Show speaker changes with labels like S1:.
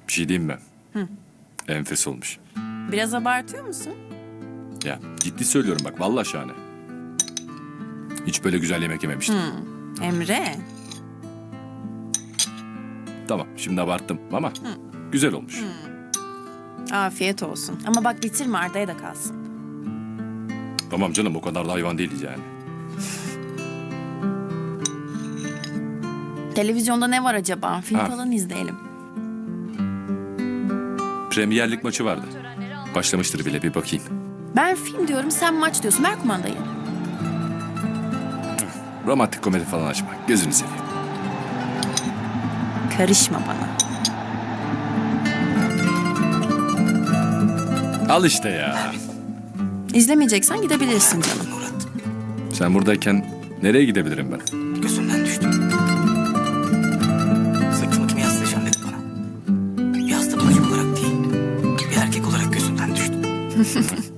S1: Bir şey diyeyim mi? Enfes olmuş.
S2: Biraz abartıyor musun?
S1: Ya ciddi söylüyorum bak vallahi şahane. Hiç böyle güzel yemek yememiştim.
S2: Emre.
S1: Tamam şimdi abarttım ama güzel olmuş.
S2: Afiyet olsun. Ama bak bitirme, Arda'ya da kalsın.
S1: Tamam canım o kadar da hayvan değiliz yani.
S2: Televizyonda ne var acaba? Film
S1: Ha.
S2: falan izleyelim.
S1: Premier Lig maçı vardı. Başlamıştır bile bir bakayım.
S2: Ben film diyorum, sen maç diyorsun. Ver kumandayı.
S1: Romantik komedi falan açma. Gözünü seveyim.
S2: Karışma bana.
S1: Al işte ya.
S2: İzlemeyeceksen gidebilirsin canım.
S3: Murat,
S1: Sen buradayken nereye gidebilirim ben?
S3: gözümden düştü. Sırtımı kime yaslayacağım dedi bana. Bir hasta bacım olarak değil, bir erkek olarak gözümden düştü.